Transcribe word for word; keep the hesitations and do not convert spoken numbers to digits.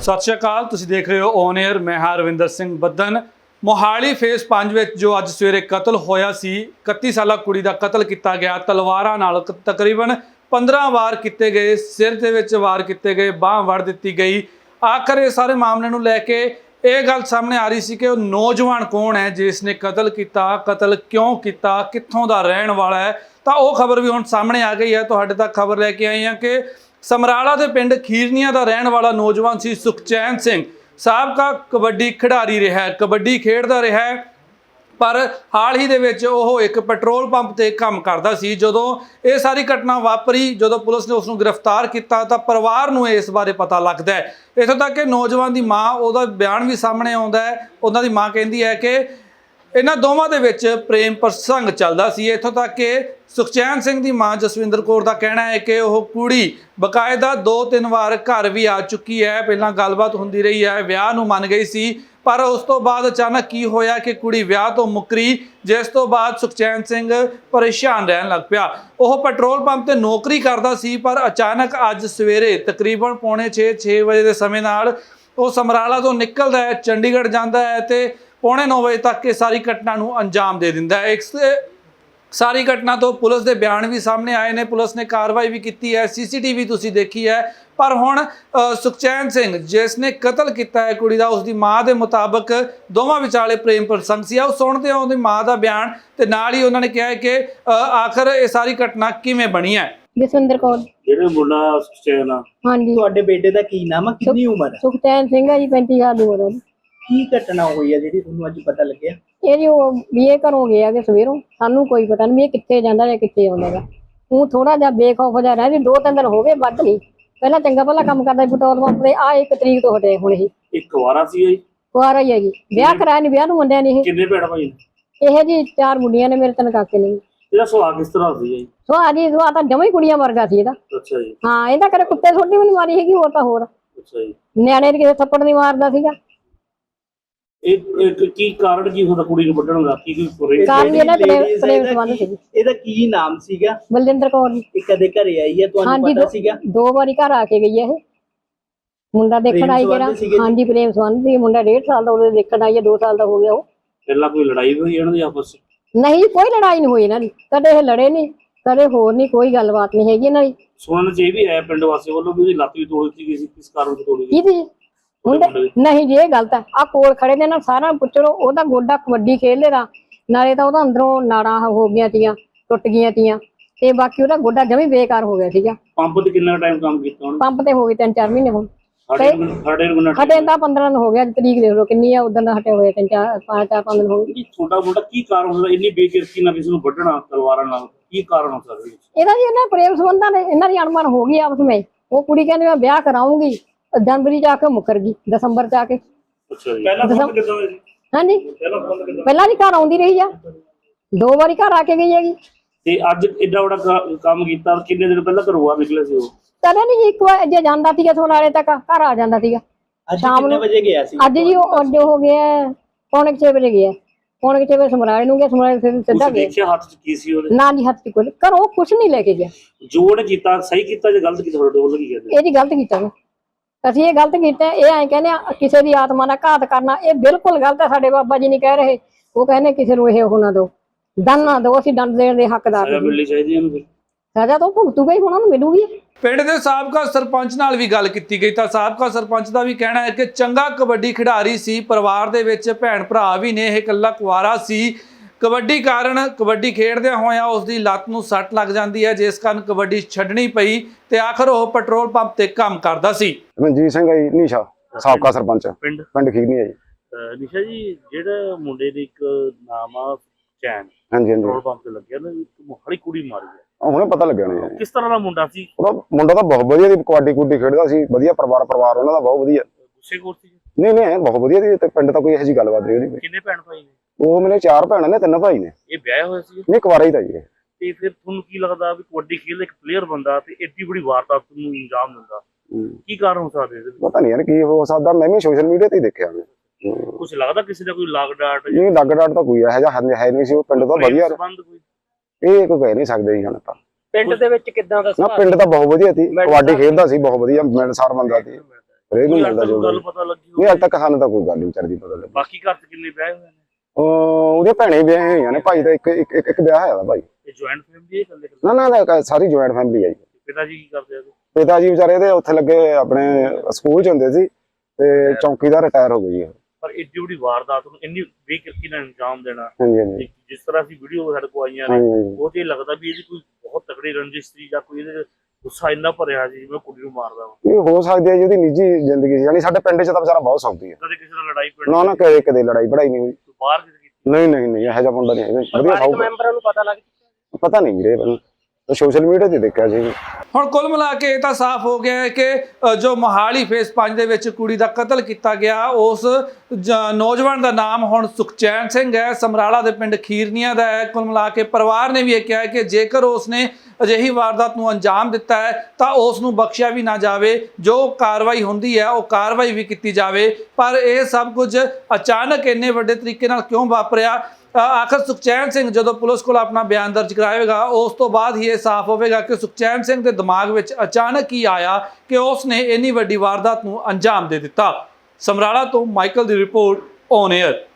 सत श्री अकाल, तुसीं देख रहे हो ऑन एयर। मैं हाँ रविंदर सिंह बदन। मोहाली फेस पांच विच जो अज सवेरे कतल होया सी, इकत्ती साला कुड़ी दा कतल किया गया तलवारां नाल। तकरीबन पंद्रह वार किए गए, सिर दे विच वार किए गए, बांह वड़ दी गई। आखिर इस सारे मामले नूं लैके ये गल सामने आ रही सी कि नौजवान कौन है जिसने कतल किया, कतल क्यों किया, कित्थों दा रहण वाला है। तो वह खबर भी हुण सामने आ गई है। तुहाडे तक खबर लैके आई हैं कि समराला दे पिंड खीरनिया का रहने वाला नौजवान सी सुखचैन सिंह, साबका कबड्डी खिडारी रहा है, कबड्डी खेडदा रहा है। पर हाल ही दे विच ओह एक पेट्रोल पंप ते काम करदा सी। जदों ये सारी घटना वापरी, जदों पुलिस ने उसनूं गिरफ्तार किया तो परिवार नूं इस बारे पता लगदा है। इत्थों तक कि नौजवान की माँ, उहदा बयान भी सामने आउंदा है। उन्हां दी माँ कहंदी है कि इन्हां दोवां दे विच प्रेम प्रसंग चलदा सी। इत्थों तक कि सुखचैन सिंह की माँ जसविंदर कौर का कहना है कि वह कुड़ी बकायदा दो तीन बार घर भी आ चुकी है। पहला गलबात होंदी रही है, विआह नूं मन गई सी, पर उस तो बाद अचानक की होया कि कुड़ी विआह तो मुकरी, जिस तो बाद सुखचैन सिंह परेशान रहन लग पिया। वह पेट्रोल पंप ते नौकरी करदा सी, पर अचानक अज सवेरे तकरीबन पौने छे छे बजे के समय नाल वो समराला तो निकलदा है, चंडीगढ़ जाता है तो पौने नौ बजे तक ये सारी घटना नूं अंजाम दे दिंदा है। इस सारी घटना तो पुलिस के बयान भी सामने आए ने, पुलिस ने कार्रवाई भी की है, सी सी टी वी तुसीं देखी है। पर हुण सुखचैन सिंह जिसने कतल किया है कुड़ी दा, उसकी माँ के मुताबिक दोवां विचाले प्रेम प्रसंग सी। आओ सुणदे हां उहदी माँ का बयान ते नाल ही उन्होंने कहा है कि आखिर ये सारी घटना किवें बनी है। जसविंदर कौर ਜਿਹੜੇ ਮੁੰਡਾ ਸੁਖਚੈਨ ਆ, हाँ जी, ਤੁਹਾਡੇ ਬੇਟੇ ਦਾ ਕੀ ਨਾਮ ਆ, ਕਿੰਨੀ ਉਮਰ ਹੈ, सुखचैन सिंह है जी, पैंती साल ਦੀ उम्र है। ਕੀ ਘਟਨਾ ਹੋਈ ਹੈ ਜਿਹੜੀ ਤੁਹਾਨੂੰ ਅੱਜ ਪਤਾ ਲੱਗਿਆ? ਇਹ ਜੀ ਉਹ ਵੀ ਇਹ ਘਰੋਂ ਗਿਆ ਕਿ ਸਵੇਰੋਂ ਸਾਨੂੰ ਕੋਈ ਪਤਾ ਨਹੀਂ ਵੀ ਇਹ ਕਿੱਥੇ ਜਾਂਦਾ ਜਾਂ ਕਿੱਥੇ ਆਉਂਦਾ ਗਾ। ਉਹ ਥੋੜਾ ਜਿਹਾ ਬੇਖੌਫ ਜਿਹਾ ਰਹਿ ਵੀ ਦੋ ਤਿੰਨ ਦਿਨ ਹੋ ਗਏ, ਵੱਧ ਨਹੀਂ। ਪਹਿਲਾਂ ਚੰਗਾ ਭਲਾ ਕੰਮ ਕਰਦਾ ਸੀ ਪੈਟਰੋਲ ਪੰਪ ਤੇ, ਆ ਇੱਕ ਤਰੀਕ ਤੋਂ ਹਟੇ ਹੁਣ ਇਹ ਇੱਕ ਵਾਰਾ ਸੀ ਜੀ, ਕੁਆਰਾ ਹੀ ਹੈ ਜੀ। ਵਿਆਹ ਕਰਾਇਆ ਨਹੀਂ, ਵਿਆਹ ਨੂੰ ਮੁੰਡਿਆਂ ਨੇ ਇਹ ਕਿੰਨੇ ਭੈਣ ਭਾਈ ਨੇ? ਇਹ ਜੀ ਚਾਰ ਮੁੰਡੀਆਂ ਨੇ, ਮੇਰੇ ਤਿੰਨ ਕਾਕੇ ਨੇ। ਇਹਦਾ ਸੁਭਾਅ ਕਿਸ ਤਰ੍ਹਾਂ ਸੀ ਜੀ? ਸੋ ਆ ਜੀ ਸੋ ਆ ਤਾਂ ਜਮਾਂ ਹੀ ਕੁੜੀਆਂ ਵਰਗਾ ਸੀ ਇਹਦਾ। ਅੱਛਾ ਜੀ, ਹਾਂ, ਇਹਦਾ ਕਦੇ ਕੁੱਤੇ ਛੋਟੀ ਵੀ ਨਹੀਂ ਮਾਰੀ ਹੈਗੀ, ਹੋਰ ਤਾਂ ਹੋਰ ਅੱਛਾ ਜੀ। ਨਿਆਣੇ ਦੇ ਕਿਸੇ ਥੱਪੜ ਨਹੀਂ ਮਾਰਦਾ ਸੀਗਾ। ਇਹ ਇੱਕ ਕੀ ਕਾਰਨ ਕੀ ਹੁੰਦਾ ਕੁੜੀ ਨੂੰ ਵੱਢਣ ਦਾ? ਕੀ ਕੋਈ ਕਾਰਨ ਇਹਦਾ ਪ੍ਰੇਮ Ladies ਪ੍ਰੇਮ ਇਹਦਾ ਸੰਬੰਧ ਕੀ- ਸੀ। ਇਹਦਾ ਕੀ ਨਾਮ ਸੀਗਾ? ਬਲਜਿੰਦਰ ਕੌਰ ਜੀ। ਇਹ ਕਦੇ ਘਰੇ ਆਈ ਹੈ, ਤੁਹਾਨੂੰ ਹਾਂਜੀ, ਪਤਾ ਦੋ- ਸੀਗਾ? ਦੋ ਵਾਰੀ ਘਰ ਆ ਕੇ ਗਈ ਹੈ ਇਹ ਮੁੰਡਾ ਦੇਖਣ ਪ੍ਰੇਮ ਆਈ ਸੰਬੰਧ ਜਿਹੜਾ। ਸੀਗੇ ਜੀ? ਹਾਂਜੀ, ਪ੍ਰੇਮ ਸੰਬੰਧ ਸੀ। ਮੁੰਡਾ ਡੇਢ ਸਾਲ ਦਾ ਉਹਦੇ ਦੇਖਣ ਆਈ ਹੈ, ਦੋ ਸਾਲ ਦਾ ਹੋ ਗਿਆ ਉਹ। ਪਹਿਲਾਂ ਕੋਈ ਲੜਾਈ ਹੋਈ ਇਹਨਾਂ ਦੀ ਆਪਸ ਚ? ਨਹੀਂ, ਕੋਈ ਲੜਾਈ ਨਹੀਂ ਹੋਈ ਇਹਨਾਂ ਦੀ, ਕਦੇ ਇਹ ਲੜੇ ਨਹੀਂ, ਕਦੇ ਹੋਰ ਨਹੀਂ, ਕੋਈ ਗੱਲਬਾਤ ਨਹੀਂ ਹੈਗੀ ਇਹਨਾਂ ਦੀ। ਸੁਣਨ ਚ ਇਹ ਵੀ ਆਇਆ ਪਿੰਡ ਵਾਸੀਆਂ ਵੱਲੋਂ ਵੀ ਉਹਦੀ ਲੱਤ ਵੀ ਤੋੜੀ ਦਿੱਤੀ ਗਈ ਸੀ, ਕਿਸ ਕਾਰਨ ਤੋਂ ਤੋੜੀ ਗਈ? ਕੀ ਮੁੰਡੇ ਨਹੀਂ ਜੀ, ਇਹ ਗਲਤ ਹੈ। ਆ ਕੋਲ ਖੜੇ ਨੇ ਨਾ, ਸਾਰਾ ਪੁੱਛੋ। ਉਹਦਾ ਗੋਡਾ ਕਬੱਡੀ ਖੇਡਦੇ ਦਾ, ਨਾਲੇ ਤਾਂ ਉਹਦਾ ਅੰਦਰੋਂ ਨਾੜਾਂ ਹੋ ਗਈਆਂ ਤੀਆਂ, ਟੁੱਟ ਗਈਆਂ ਤੀਆਂ, ਤੇ ਬਾਕੀ ਉਹਦਾ ਗੋਡਾ ਜਮੀ ਬੇਕਾਰ ਹੋ ਗਿਆ ਸੀਗਾ। ਪੰਪ ਤੇ ਕਿੰਨਾ ਟਾਈਮ ਕੰਮ ਕੀਤਾ ਉਹਨੇ? ਪੰਪ ਤੇ ਹੋ ਗਏ ਤਿੰਨ ਚਾਰ ਮਹੀਨੇ ਹੁਣ। ਸਾਡੇ ਸਾਡੇ ਨੂੰ ਹਟੇ ਤਾਂ ਪੰਦਰਾਂ ਦਿਨ ਹੋ ਗਿਆ, ਤਰੀਕ ਦੇਖ ਲਓ ਕਿੰਨੀ ਆ, ਉਦੋਂ ਦਾ ਹਟੇ ਹੋਏ ਤਿੰਨ ਚਾਰ ਪੰਜ ਚਾਰ ਪੰਜ ਦਿਨ ਹੋ ਗਏ। ਛੋਟਾ ਮੋਟਾ ਕੀ ਕਾਰਨ ਹੁੰਦਾ ਇੰਨੀ ਬੇਕਿਰਕੀ ਨਾਲ ਕਿਸੇ ਨੂੰ ਵੱਢਣਾ ਤਲਵਾਰਾਂ ਨਾਲ? ਕੀ ਕਾਰਨ ਹੋ ਸਕਦਾ? ਇਹਦਾ ਜੀ ਇਹਨਾਂ ਪ੍ਰੇਮ ਸੰਬੰਧਾਂ ਦੇ ਇਹਨਾਂ ਦੀ ਅਣਮਨ ਹੋ ਗਈ ਆਪਸ ਵਿੱਚ। ਉਹ ਕੁੜੀ ਕਹਿੰਦੀ ਮੈਂ ਵਿਆਹ ਕਰਾਉਂਗੀ, ਜਨਵਰੀ ਚ ਆ ਕੇ ਮੁੱਕਰ ਗਈ, ਦਸੰਬਰ ਚ ਆ ਕੇ। ਅੱਛਾ ਜੀ, ਪਹਿਲਾਂ ਫੋਨ ਕਿੱਦਾਂ ਹੋਇਆ ਜੀ? ਹਾਂਜੀ, ਪਹਿਲਾਂ ਫੋਨ ਕਿੱਦਾਂ? ਪਹਿਲਾਂ ਵੀ ਘਰ ਆਉਂਦੀ ਰਹੀ ਆ, ਦੋ ਵਾਰੀ ਘਰ ਆ ਕੇ ਗਈ ਹੈਗੀ। ਤੇ ਅੱਜ ਏਡਾ ਵੱਡਾ ਕ- ਕੰਮ ਕੀਤਾ, ਕਿੰਨੇ ਦਿਨ ਪਹਿਲਾਂ ਘਰੋਂ ਬਾਹਰ ਨਿਕਲੇ ਸੀ ਉਹ? ਕਦੇ ਨਹੀਂ ਜੀ, ਇੱਕ ਵਾਰ ਜੇ ਜਾਂਦਾ ਸੀਗਾ ਸੋਨਾਲੇ ਤੱਕ ਘਰ ਆ ਜਾਂਦਾ ਸੀਗਾ। ਅੱਜ ਸ਼ਾਮ ਕਿੰਨੇ ਨੂੰ ਵਜੇ ਗਿਆ ਸੀ? ਅੱਜ ਜੀ ਉਹ ਅੱਜ ਹੋ ਗਿਆ ਪੌਣੇ ਛੇ ਵਜੇ ਗਿਆ, ਪੌਣੇ ਛੇ ਵਜੇ ਸਮਰਾਲੇ ਨੂੰ ਗਿਆ, ਸਮਰਾਲੇ ਫਿਰ ਸਿੱਧਾ ਤੁਸੀਂ ਗਿਆ। ਦੇਖਿਆ ਹੱਥ ਚ ਕੀ ਸੀ ਉਹਦੇ? ਨਾ ਜੀ, ਹੱਥ ਚ ਕੋਈ ਘਰੋਂ ਕੁਛ ਨਹੀਂ ਲੈ ਕੇ ਗਿਆ। ਜੋ ਉਹਨੇ ਕੀਤਾ ਸਹੀ ਕੀਤਾ ਜਾਂ ਗਲਤ ਕੀਤਾ? ਤੁਹਾਡੇ ਵੱਲੋਂ ਕੀ ਕਹਿੰਦੇ? ਇਹ ਜੀ ਗਲਤ ਕੀਤਾ ਵਾ। ਅਸੀਂ ਇਹ ਗਲਤ ਕੀਤਾ। ਇਹ ਐਂ ਕਹਿੰਦੇ ਆ ਕਿਸੇ ਦੀ ਆਤਮਾ ਦਾ ਘਾਤ ਕਰਨਾ, ਇਹ ਬਿਲਕੁਲ ਗਲਤ ਹੈ। ਸਾਡੇ ਬਾਬਾ ਜੀ ਨਹੀਂ ਕਹਿ ਰਹੇ, ਉਹ ਕਹਿੰਦੇ ਕਿਸੇ ਨੂੰ ਇਹ ਉਹ ਨਾ ਦਿਓ, ਦੰਡ ਨਾ ਦਿਓ, ਅਸੀਂ ਦੰਡ ਦੇਣ ਦੇ ਹੱਕਦਾਰ ਸਜ਼ਾ ਨਹੀਂ। ਮਿਲਣੀ ਚਾਹੀਦੀ ਇਹਨੂੰ ਫਿਰ। ਸਜ਼ਾ ਤਾਂ ਭੁਗਤੂਗਾ ਹੀ, ਉਹਨਾਂ ਨੂੰ ਮਿਲੂਗੀ। ਪਿੰਡ ਦੇ ਸਾਬਕਾ ਸਰਪੰਚ ਨਾਲ ਵੀ ਗੱਲ ਕੀਤੀ ਗਈ ਤਾਂ ਸਾਬਕਾ ਸਰਪੰਚ ਦਾ ਵੀ ਕਹਿਣਾ ਹੈ ਕਿ ਚੰਗਾ ਕਬੱਡੀ ਖਿਡਾਰੀ ਸੀ, ਪਰਿਵਾਰ ਦੇ ਵਿੱਚ ਭੈਣ ਭਰਾ ਵੀ ਨੇ, ਇਹ ਇਕੱਲਾ ਕੁਆਰਾ ਸੀ। ਕਬੱਡੀ ਕਾਰਨ ਕਬੱਡੀ ਖੇਡਦਿਆਂ ਹੋਇਆਂ ਉਸ ਦੀ ਲੱਤ ਨੂੰ ਸੱਟ ਲੱਗ ਜਾਂਦੀ ਹੈ, ਜਿਸ ਕਾਰਨ ਕਬੱਡੀ ਛੱਡਣੀ ਪਈ ਤੇ ਆਖਰ ਉਹ ਪੈਟਰੋਲ ਪੰਪ ਤੇ ਕੰਮ ਕਰਦਾ ਸੀ। ਮਨਜੀਤ ਸਿੰਘ ਹੈ ਜੀ, ਨੀਸ਼ਾ ਸਾਬਕਾ ਸਰਪੰਚ ਪਿੰਡ ਪਿੰਡ ਖੀਰਨੀ ਹੈ ਜੀ। ਅਹ ਨਿਸ਼ਾ ਜੀ, ਜਿਹੜਾ ਮੁੰਡੇ ਦੇ ਇੱਕ ਨਾਮ ਆ ਚੈਨ, ਹਾਂਜੀ ਹਾਂਜੀ, ਪੈਟਰੋਲ ਪੰਪ ਤੇ ਲੱਗਿਆ ਨਾ, ਇੱਕ ਮੋਹਾਲੀ ਕੁੜੀ ਮਾਰੀ ਹੈ, ਉਹ ਹੁਣੇ ਪਤਾ ਲੱਗਿਆ ਨੇ ਜੀ। ਕਿਸ ਤਰ੍ਹਾਂ ਦਾ ਮੁੰਡਾ ਸੀ? ਉਹਦਾ ਮੁੰਡਾ ਤਾਂ ਬਹੁਤ ਵਧੀਆ ਸੀ, ਕਬੱਡੀ ਕੁੱਡੀ ਖੇਡਦਾ ਸੀ, ਵਧੀਆ ਪਰਿਵਾਰ ਪਰਿਵਾਰ ਉਹਨਾਂ ਦਾ ਬਹੁਤ ਵਧੀਆ। ਗੁੱਸੇ ਖੋਰ ਸੀ? ਨਹੀਂ ਨਹੀਂ, ਬਹੁਤ ਵਧੀਆ ਸੀ ਤੇ ਪਿੰਡ ਤਾਂ ਕੋਈ ਇਹੋ ਜਿਹੀ ਗੱਲਬਾਤ ਨਹੀਂ ਉਹਦੀ। ਕਿੰਨੇ ਭੈਣ ਭਾਈ ਨੇ? ਉਹ ਮੇਰੇ ਚਾਰ ਭੈਣਾਂ ਨੇ, ਤਿੰਨ ਭਾਈ ਨੇ। ਇਹ ਵਿਆਹਿਆ ਹੋਇਆ ਸੀ? ਨਹੀਂ, ਕੁਵਾਰਾ ਹੀ ਤਾਂ ਜੀ ਇਹ। ਤੇ ਫਿਰ ਤੁਹਾਨੂੰ ਕੀ ਲੱਗਦਾ ਵੀ ਕਬੱਡੀ ਖੇਡ ਇੱਕ ਪਲੇਅਰ ਬੰਦਾ ਤੇ ਏਡੀ ਬੜੀ ਵਾਰਦਾਤ ਨੂੰ ਅੰਜਾਮ ਦਿੰਦਾ, ਕੀ ਕਾਰਨ ਹੋ ਸਕਦੇ ਇਹਦੇ? ਪਤਾ ਨਹੀਂ ਯਾਰ ਕੀ ਹੋ ਸਕਦਾ, ਮੈਂ ਵੀ ਸੋਸ਼ਲ ਮੀਡੀਆ ਤੇ ਹੀ ਦੇਖਿਆ। ਕੁਝ ਲੱਗਦਾ ਕਿਸੇ ਦਾ ਕੋਈ ਲਾਗ ਡਾਟ ਨਹੀਂ, ਲੱਗ ਡਾਟ ਤਾਂ ਕੋਈ ਇਹੋ ਜਿਹਾ ਹੈ ਨਹੀਂ ਸੀ। ਉਹ ਪਿੰਡ ਤਾਂ ਵਧੀਆ, ਸੰਬੰਧ ਕੋਈ? ਇਹ ਕੋਈ ਕਹਿ ਨਹੀਂ ਸਕਦੇ ਜੀ ਹੁਣ ਤਾਂ। ਪਿੰਡ ਦੇ ਵਿੱਚ ਕਿੱਦਾਂ ਦਾ ਨਾ, ਪਿੰਡ ਤਾਂ ਬਹੁਤ ਵਧੀਆ ਸੀ, ਕਬੱਡੀ ਖੇਡਦਾ ਸੀ, ਬਹੁਤ ਵਧੀਆ ਮਿਲਣਸਾਰ ਬੰਦਾ ਸੀ। ਹਰੇਕ ਨੂੰ ਕੋਈ ਮਿਲਦਾ ਅੱਜ ਤੱਕ ਜੋ ਗੱਲ ਪਤਾ ਲੱਗੀ ਨਹੀਂ ਹੋਵੇ? ਅੱਜ ਤੱਕ ਸਾਨੂੰ ਤਾਂ ਕੋਈ ਗੱਲ ਨਹੀਂ ਵਿਚਾਰੀ ਪਤਾ ਲੱਗੀ। ਬਾਕੀ ਘਰ ਚ ਕਿੰਨੇ ਵਿਆਹ ਹੋਏ ਨੇ? ਉਹ ਉਹਦੇ ਭੈਣੇ ਵਿਆਹੇ ਹੋਈਆਂ ਨੇ, ਭਾਈ ਦਾ ਇੱਕ ਇੱਕ ਇੱਕ- ਇੱਕ ਵਿਆਹ ਹੋਇਆ ਵਾ ਭਾਈ। ਇਹ ਜੁਆਇੰਟ ਫੈਮਿਲੀ ਹੈ ਇਕੱਲੇ ਇਕੱਲੇ? ਨਾ ਨਾ ਨਾ, ਸਾਰੀ ਜੁਆਇੰਟ ਫੈਮਿਲੀ ਹੈ ਜੀ। ਪਿਤਾ ਜੀ ਕੀ ਕਰਦੇ ਆ? ਪਿਤਾ ਜੀ ਵਿਚਾਰੇ ਦੇ ਉੱਥੇ ਲੱਗੇ ਆਪਣੇ ਸਕੂਲ ਚ ਹੁੰਦੇ ਸੀ ਤੇ ਚੌਂਕੀਦਾਰ ਰਿਟਾਇਰ ਹੋ ਗਈ ਹੈ। ਪਰ ਏਡੀ ਵੱਡੀ ਵਾਰਦਾਤ ਨੂੰ ਇੰਨੀ ਬੇਕਿਰਕੀ ਨਾਲ ਅੰਜਾਮ ਦੇਣਾ, ਹਾਂਜੀ ਹਾਂਜੀ ਜਿਸ ਤਰ੍ਹਾਂ ਦੀ ਵੀਡੀਓ ਸਾਡੇ ਕੋਲ ਆਈਆਂ ਨੇ, ਹਾਂਜੀ ਹਾਂਜੀ। ਉਹ ਤੇ ਲੱਗਦਾ ਵੀ ਇਹਦੀ ਕੋਈ ਬਹੁਤ ਤਕੜੀ ਰੰਜਿਸ਼ ਸੀ ਜਾਂ ਕੋਈ ਇਹਦੇ ਗੁੱਸਾ ਇੰਨਾ ਭਰਿਆ ਸੀ ਜਿਵੇਂ ਕੁੜੀ ਨੂੰ ਮਾਰਦਾ ਵਾ। ਇਹ ਹੋ ਸਕਦੀ ਹੈ ਜੀ ਉਹਦੀ ਨਿੱਜੀ ਜ਼ਿੰਦਗੀ ਸੀ, ਯਾਨੀ ਸਾਡੇ ਪਿੰਡ ਚ ਤਾਂ ਵਿਚਾਰਾ ਬਹੁਤ ਸੌਖੀ ਹੈ। ਕਦੇ ਕਿਸੇ ਨਾਲ ਲੜਾਈ ਪੜੀ? ਨਾ ਨਾ ਕਦੇ ਕਦੇ ਲੜਾਈ ਪੜਾਈ ਨਹੀਂ ਹੋਈ। ਬਾਹਰ ਕਿਤੇ ਕੀਤੀ? ਨਹੀਂ ਨਹੀਂ ਨਹੀਂ, ਇਹੋ ਜਿਹਾ ਮੁੰਡਾ ਨਹੀਂ ਹੈਗਾ, ਵਧੀਆ ਸੌਖਾ। ਮੈਂਬਰਾਂ ਨੂੰ ਪਤਾ ਲੱਗ ਪਤਾ ਨਹੀਂ ਵੀਰੇ, ਮੈਨੂੰ ਸੋਸ਼ਲ ਮੀਡੀਆ ਤੇ ਦੇਖਿਆ ਸੀ। ਹੁਣ ਕੁੱਲ ਮਿਲਾ ਕੇ ਇਹ ਤਾਂ ਸਾਫ਼ ਹੋ ਗਿਆ ਹੈ ਕਿ ਅ, ਜੋ ਮੋਹਾਲੀ ਫੇਸ ਪੰਜ ਦੇ ਵਿੱਚ ਕੁੜੀ ਦਾ ਕਤਲ ਕੀਤਾ ਗਿਆ, ਉਸ ਜ- ਨੌਜਵਾਨ ਦਾ ਨਾਮ ਹੁਣ ਸੁਖਚੈਨ ਸਿੰਘ ਹੈ, ਸਮਰਾਲਾ ਦੇ ਪਿੰਡ ਖੀਰਨੀਆਂ ਦਾ ਹੈ। ਕੁੱਲ ਮਿਲਾ ਕੇ ਪਰਿਵਾਰ ਨੇ ਵੀ ਇਹ ਕਿਹਾ ਹੈ ਕਿ ਜੇਕਰ ਉਸਨੇ ਅਜਿਹੀ ਵਾਰਦਾਤ ਨੂੰ ਅੰਜਾਮ ਦਿੱਤਾ ਹੈ ਤਾਂ ਉਸ ਨੂੰ ਬਖਸ਼ਿਆ ਵੀ ਨਾ ਜਾਵੇ, ਜੋ ਕਾਰਵਾਈ ਹੁੰਦੀ ਹੈ ਉਹ ਕਾਰਵਾਈ ਵੀ ਕੀਤੀ ਜਾਵੇ। ਪਰ ਇਹ ਸਭ ਕੁਝ ਅਚਾਨਕ ਇੰਨੇ ਵੱਡੇ ਤਰੀਕੇ ਨਾਲ ਕਿਉਂ ਵਾਪਰਿਆ? ਅ, ਆਖਰ ਸੁਖਚੈਨ ਸਿੰਘ ਜਦੋਂ ਪੁਲਿਸ ਕੋਲ ਆਪਣਾ ਬਿਆਨ ਦਰਜ ਕਰਾਏਗਾ, ਉਸ ਤੋਂ ਬਾਅਦ ਹੀ ਇਹ ਸਾਫ਼ ਹੋਵੇਗਾ ਕਿ ਸੁਖਚੈਨ ਸਿੰਘ ਦੇ ਦਿਮਾਗ ਵਿੱਚ ਅਚਾਨਕ ਹੀ ਆਇਆ ਕਿ ਉਸ ਨੇ ਇੰਨੀ ਵੱਡੀ ਵਾਰਦਾਤ ਨੂੰ ਅੰਜਾਮ ਦੇ ਦਿੱਤਾ। ਸਮਰਾਲਾ ਤੋਂ ਮਾਈਕਲ ਦੀ ਰਿਪੋਰਟ ਔਨ 에ਅਰ।